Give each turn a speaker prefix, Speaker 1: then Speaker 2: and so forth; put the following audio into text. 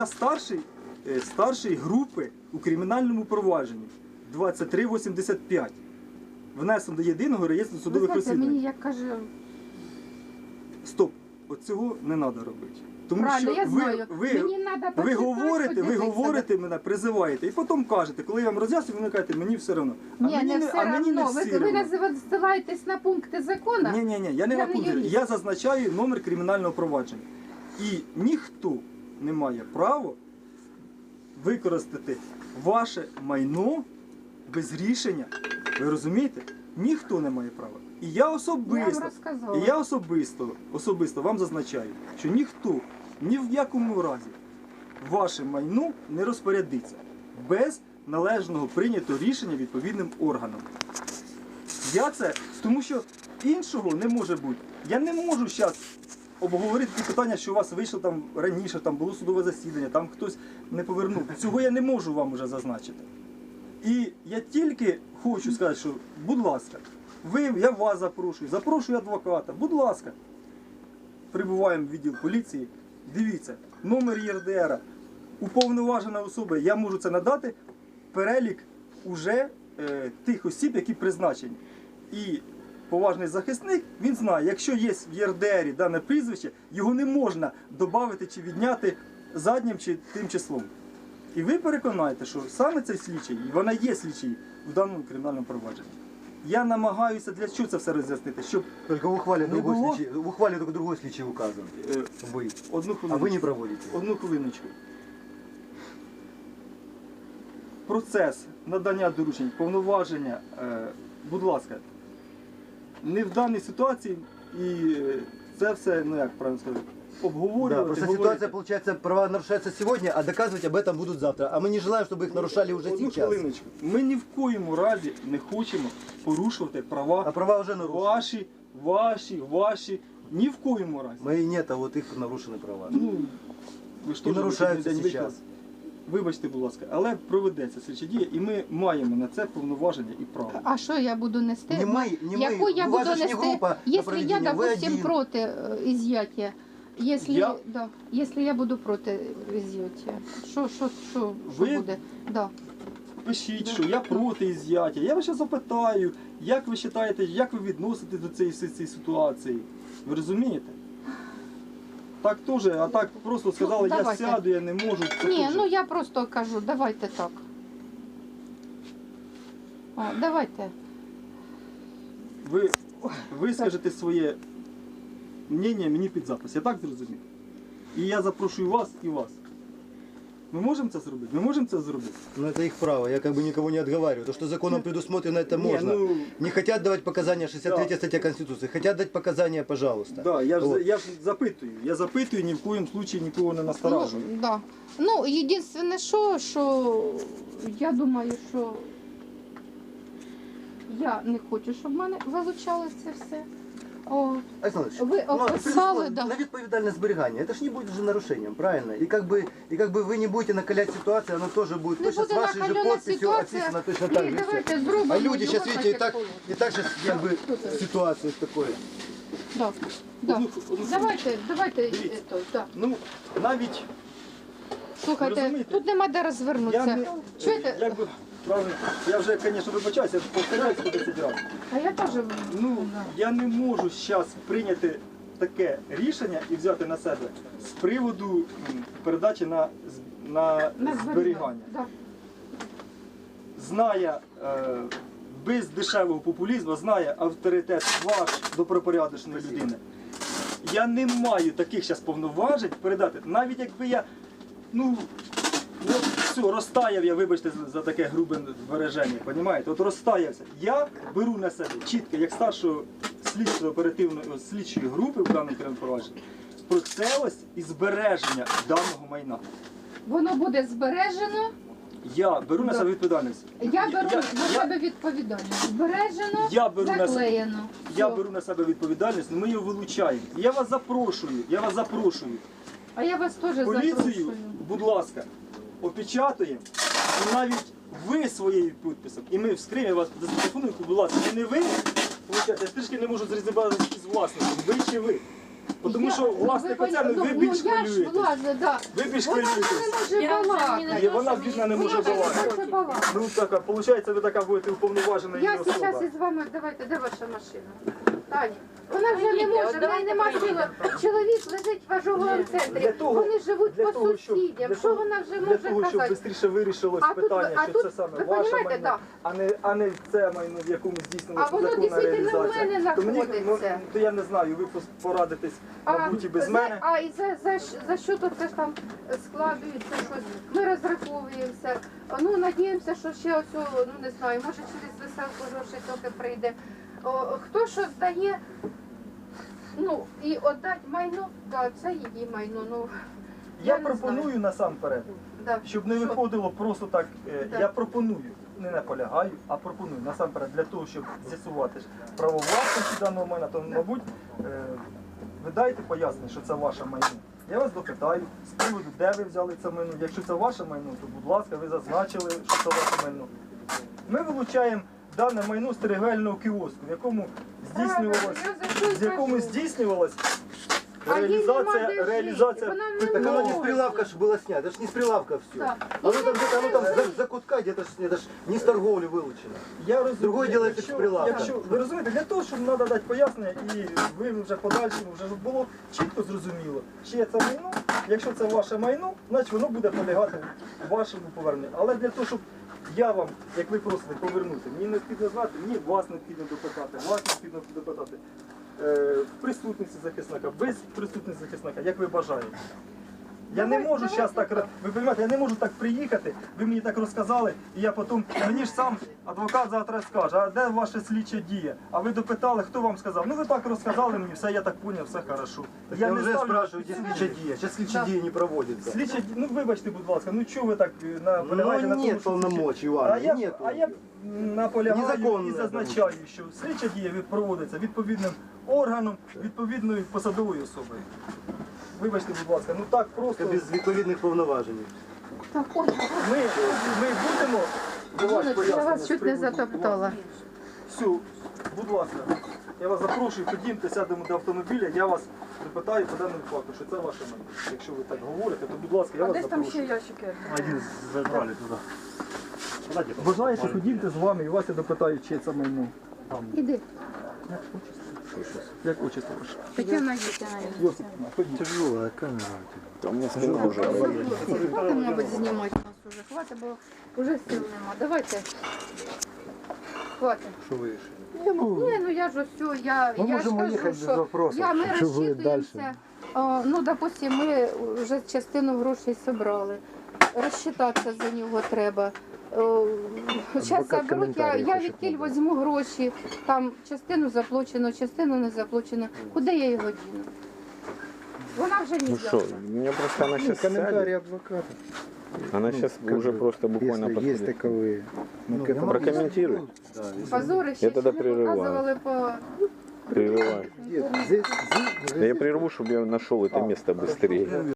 Speaker 1: Старший групи у кримінальному провадженні 2385. Внесено до єдиного реєстру судових розслідувань.
Speaker 2: Мені як каже...
Speaker 1: Стоп, оцього не треба робити. Тому
Speaker 2: Правильно,
Speaker 1: що
Speaker 2: я знаю.
Speaker 1: ви говорите мене, призиваєте, і потім кажете, коли я вам роз'яснюю, ви кажете, мені все одно.
Speaker 2: Ні, не все одно. Ви називаєтесь на пункти закону?
Speaker 1: Ні, я не на пункти. Я зазначаю номер кримінального провадження. І ніхто не має права використати ваше майно без рішення. Ви розумієте? Ніхто не має права. І я особисто вам зазначаю, що ніхто ні в якому разі ваше майно не розпорядиться без належного прийнятого рішення відповідним органом. Тому що іншого не може бути. Я не можу зараз обговорити ті питання, що у вас вийшло там раніше, там було судове засідання, там хтось не повернув. Цього я не можу вам вже зазначити. І я тільки хочу сказати, що, будь ласка, я вас запрошую адвоката, будь ласка, прибуваємо в відділ поліції, дивіться, номер ЄРДР, уповноважена особа, я можу це надати, перелік уже тих осіб, які призначені. І поважний захисник, він знає, якщо є в ЄРДРі дане прізвище, його не можна додати чи відняти заднім чи тим числом. І ви переконаєте, що саме цей слідчий, і вона є слідчий в даному кримінальному провадженні. Я намагаюся для чого це все роз'яснити, щоб
Speaker 3: Только в ухвале только другой слідчий указан. А ви не проводите.
Speaker 1: Одну хвилиночку. Процес надання доручень, повноваження, будь ласка, не в даній ситуації і це все, ну як правильно сказати, обговорювати.
Speaker 3: Да, просто ситуация, получается, права нарушаются сегодня, а доказывать об этом будут завтра. А мы не желаем, чтобы их нарушали уже
Speaker 1: Одну
Speaker 3: сейчас.
Speaker 1: хвилиночку. Ми ні в коєму разі не хочемо порушувати права,
Speaker 3: А права уже нарушены.
Speaker 1: ваші, ні в коєму разі.
Speaker 3: Мои нет, а вот их нарушены права.
Speaker 1: Ну, ви ж
Speaker 3: И
Speaker 1: теж
Speaker 3: нарушаются
Speaker 1: не звикли.
Speaker 3: сейчас.
Speaker 1: Вибачте, будь ласка, але проведеться слідча дія, і ми маємо на це повноваження і право.
Speaker 2: А що я буду нести?
Speaker 3: Не мы,
Speaker 2: Яку я
Speaker 3: у вас
Speaker 2: буду
Speaker 3: же ж не
Speaker 2: нести,
Speaker 3: группа на
Speaker 2: якщо я,
Speaker 3: проведение, вы
Speaker 2: допустим,
Speaker 3: один.
Speaker 2: проти изъятия?
Speaker 1: Я?
Speaker 2: Да, якщо я буду проти изъятия, що
Speaker 1: Ви?
Speaker 2: буде? Да.
Speaker 1: Пишіть, що я проти ізяття. Я вас ще запитаю, як ви вважаєте, як ви відноситесь до цієї ситуації. Ви розумієте? Так теж, а так просто сказали, я
Speaker 2: давайте.
Speaker 1: сяду, я не можу. Це
Speaker 2: Ні,
Speaker 1: теж.
Speaker 2: ну я просто кажу, давайте так. О, давайте.
Speaker 1: Ви скажете своє мнення мені під запис. Я так зрозумів? І я запрошую вас і вас. Ми можемо це зробити? Ми можемо це зробити?
Speaker 3: Ну это их право, я как бы никого не отговариваю. То, что законом предусмотрено, это
Speaker 1: Не,
Speaker 3: можно.
Speaker 1: ну-
Speaker 3: Не хотят давать показания, 63
Speaker 1: Да.
Speaker 3: статья Конституции. Хотят дать показания, пожалуйста.
Speaker 1: Да, я
Speaker 3: Вот.
Speaker 1: ж запитую. Я запитую, ні в коєму случаї нікого не насторажую.
Speaker 2: Да. Ну, єдине, що я думаю, що я не хочу, щоб в мене вилучалося це все. О,
Speaker 3: Александр
Speaker 2: Вы описали, да.
Speaker 3: на відповідальне зберігання. Это ж не будет же нарушением, правильно? И как бы вы не будете накалять ситуацию, она тоже будет
Speaker 2: не
Speaker 3: точно с
Speaker 2: буде
Speaker 3: вашей же
Speaker 2: накалена
Speaker 3: подписью
Speaker 2: ситуація.
Speaker 3: описана точно так же.
Speaker 2: Давайте
Speaker 3: всё.
Speaker 2: зробимо
Speaker 3: А люди
Speaker 2: його
Speaker 3: сейчас, видите,
Speaker 2: протокол.
Speaker 3: и так же как бы
Speaker 2: Тут.
Speaker 3: ситуацию такой.
Speaker 2: Да. Да.
Speaker 1: Одну
Speaker 2: Давайте,
Speaker 1: Дивіться.
Speaker 2: да.
Speaker 1: Ну, навіть Ви
Speaker 2: Слухайте,
Speaker 1: розумієте?
Speaker 2: тут нема де
Speaker 1: я
Speaker 2: розвернутися.
Speaker 1: не...
Speaker 2: Чуєте?
Speaker 1: Як би, правильно, я вже, звісно, вибачаюся, я повторяюсь по 10 разів.
Speaker 2: А я теж.
Speaker 1: Ну, я не можу зараз прийняти таке рішення і взяти на себе з приводу передачі на зберігання.
Speaker 2: Да.
Speaker 1: Знає, без дешевого популізму, знає авторитет ваш добропорядочної людини. Я не маю таких зараз повноважень передати. Навіть якби я, все, розтаяв я, вибачте за таке грубе вираження, розумієте? От розтаявся. Я беру на себе чітко, як старшого слідчої групи в даному кримінальному провадженні, процелість і збереження даного майна.
Speaker 2: Воно буде збережено.
Speaker 1: Я беру на себе відповідальність.
Speaker 2: Я беру на себе відповідальність. Збережено, заклеєно.
Speaker 1: Я
Speaker 2: Все.
Speaker 1: беру на себе відповідальність, ми його вилучаємо. Я вас запрошую.
Speaker 2: А я вас теж
Speaker 1: Поліцію,
Speaker 2: запрошую.
Speaker 1: будь лака, опечатуємо. І навіть ви своєю підписом, і ми вскриємо вас за телефоном, будь ласка, не ви, я трішки не можу зрозуміти з власником, ви чи ви. Тому що власник
Speaker 2: ви
Speaker 1: оця,
Speaker 2: поня-
Speaker 1: ви більш
Speaker 2: я ж
Speaker 1: хвилюєтесь.
Speaker 2: власне, да.
Speaker 1: Ви більш
Speaker 2: Вона ж
Speaker 1: хвилюєтесь.
Speaker 2: не може балакати.
Speaker 1: Ні, вона бідна не може
Speaker 2: Вона ж не
Speaker 1: балакати.
Speaker 2: може балакати.
Speaker 1: Ну так, виходить, ви така будете уповноважена її
Speaker 2: Я
Speaker 1: особа.
Speaker 2: зараз із вами, давайте, де ваша машина? Таня, вона вже не може, в неї нема сили. Чоловік лежить в ожоговому центрі,
Speaker 1: Для того-
Speaker 2: вони живуть
Speaker 1: для
Speaker 2: по
Speaker 1: того, щоб-
Speaker 2: сусідям.
Speaker 1: для
Speaker 2: Що
Speaker 1: того-
Speaker 2: вона вже
Speaker 1: Для
Speaker 2: може
Speaker 1: того, щоб
Speaker 2: казати?
Speaker 1: швидше вирішилось
Speaker 2: А тут-
Speaker 1: питання,
Speaker 2: а
Speaker 1: що
Speaker 2: тут,
Speaker 1: це саме
Speaker 2: ви
Speaker 1: ваше
Speaker 2: понімаєте,
Speaker 1: майно, а не це майно, в якому здійснилася
Speaker 2: А воно
Speaker 1: законна
Speaker 2: дійсно в
Speaker 1: реалізація.
Speaker 2: мене
Speaker 1: То мені,
Speaker 2: знаходиться.
Speaker 1: то я не знаю, ви порадитесь, мабуть, і без мене.
Speaker 2: А і за що тут це ж там складується щось? Ми розраховуємося. Ну, надіємося, що ще оцю, ну не знаю, може через веселку гроші трохи прийде. Хто що здає, ну, і віддати майно, да, це її майно. Ну,
Speaker 1: Я
Speaker 2: не
Speaker 1: пропоную
Speaker 2: знаю.
Speaker 1: насамперед,
Speaker 2: Да.
Speaker 1: щоб не
Speaker 2: Що?
Speaker 1: виходило просто так.
Speaker 2: Да.
Speaker 1: Я пропоную, не наполягаю, а пропоную насамперед для того, щоб з'ясувати право власності даного майна, то, мабуть, ви дайте пояснення, що це ваше майно. Я вас допитаю з приводу, де ви взяли це майно. Якщо це ваше майно, то будь ласка, ви зазначили, що це ваше майно. Ми вилучаємо дане майно з торгівельного кіоску, в якому здійснювалось,
Speaker 2: Правильно, я за що й
Speaker 1: з якому
Speaker 2: кажу.
Speaker 1: здійснювалась
Speaker 2: А їй нема де жити,
Speaker 1: реалізація.
Speaker 2: вона не
Speaker 3: Так оно не с
Speaker 2: може.
Speaker 3: прилавка же было снято, это ж не с прилавка все.
Speaker 2: Да.
Speaker 3: Оно там где-то, оно там за кутка где-то, это ж не с торговли вылучено.
Speaker 1: Я розумію,
Speaker 3: Другое діло,
Speaker 1: якщо-
Speaker 3: це прилавка.
Speaker 1: Якщо ви розумієте, для того, щоб треба дати пояснення, і ви вже подальшому вже було чітко зрозуміло, чиє це майно. Якщо це ваше майно, значить воно буде полягати вашому поверненню. Але для того, щоб я вам, як ви просите, повернути, мені необхідно знати, мені вас необхідно допитати, вас необхідно допитати. В присутності захисника, без присутності захисника, як ви бажаєте. Я не можу зараз так, ви розумієте, я не можу так приїхати, ви мені так розказали, і я потім, мені ж сам адвокат завтра скаже, а де ваша слідча дія? А ви допитали, хто вам сказав? Ну ви так розказали мені, все, я так зрозумів, все хорошо.
Speaker 3: Я
Speaker 1: не
Speaker 3: уже
Speaker 1: ставлю-
Speaker 3: спрашиваю, где слича дия. Сейчас слича дия не проводится.
Speaker 1: Слідча дія, ну вибачте, будь ласка, ну чого ви так наполягаєте на
Speaker 3: Ну
Speaker 1: тому,
Speaker 3: нет
Speaker 1: що
Speaker 3: полномочий, Иван,
Speaker 1: а я,
Speaker 3: нет.
Speaker 1: а я наполягаю
Speaker 3: Незаконне,
Speaker 1: і зазначаю, що слідча дія проводиться відповідним органом, відповідною посадовою особою. Вибачте, будь ласка, ну так просто.
Speaker 3: Без відповідних повноважень.
Speaker 2: Так, ой,
Speaker 1: Ми будемо давати
Speaker 2: я
Speaker 1: пояснення
Speaker 2: вас
Speaker 1: з
Speaker 2: чуть не
Speaker 1: приводу
Speaker 2: затоптала.
Speaker 1: Все, будь ласка, я вас запрошую, ходімте, сядемо до автомобіля, я вас допитаю по даному факту, що це ваше майно. Якщо ви так говорите, то будь ласка, я вас запрошую.
Speaker 2: ящики?
Speaker 4: Один забрали туда.
Speaker 1: Бажаєте, ходімте з вами і вас я допитаю, чи це майно.
Speaker 2: Іди.
Speaker 1: Як отчество ваше?
Speaker 2: Тетяна Вітяна.
Speaker 1: Йосипівна, ходіть.
Speaker 3: Тяжелая камера.
Speaker 2: Хватить, мабуть, знімати нас уже. Хватить, бо вже сил нема. Давайте. Хватить.
Speaker 3: Что вы решили?
Speaker 2: Ні, ну я ж все, я ж
Speaker 3: можемо
Speaker 2: кажу,
Speaker 3: їхати без
Speaker 2: що
Speaker 3: вопросів.
Speaker 2: ми
Speaker 3: Що буде
Speaker 2: розчитуємося. Ну, допустим, ми вже частину грошей зібрали. Розчитатися за нього треба. Зараз заберуть, я відтіль візьму гроші, там частину заплачено, частину не заплачено. Куди я його діну? Вона вже не
Speaker 5: Ну что, у меня просто она сейчас
Speaker 3: Комментарий
Speaker 5: сядет.
Speaker 3: адвоката.
Speaker 5: Она сейчас уже просто буквально
Speaker 6: Если есть
Speaker 5: подходит.
Speaker 6: таковые. Ну, к этому
Speaker 5: Прокомментируй.
Speaker 2: позорище,
Speaker 5: Я тоді
Speaker 2: що не
Speaker 5: прерываю.
Speaker 2: показували по...
Speaker 5: Прерываю.
Speaker 6: здесь,
Speaker 5: Да я прерву, чтобы я нашел это место быстрее.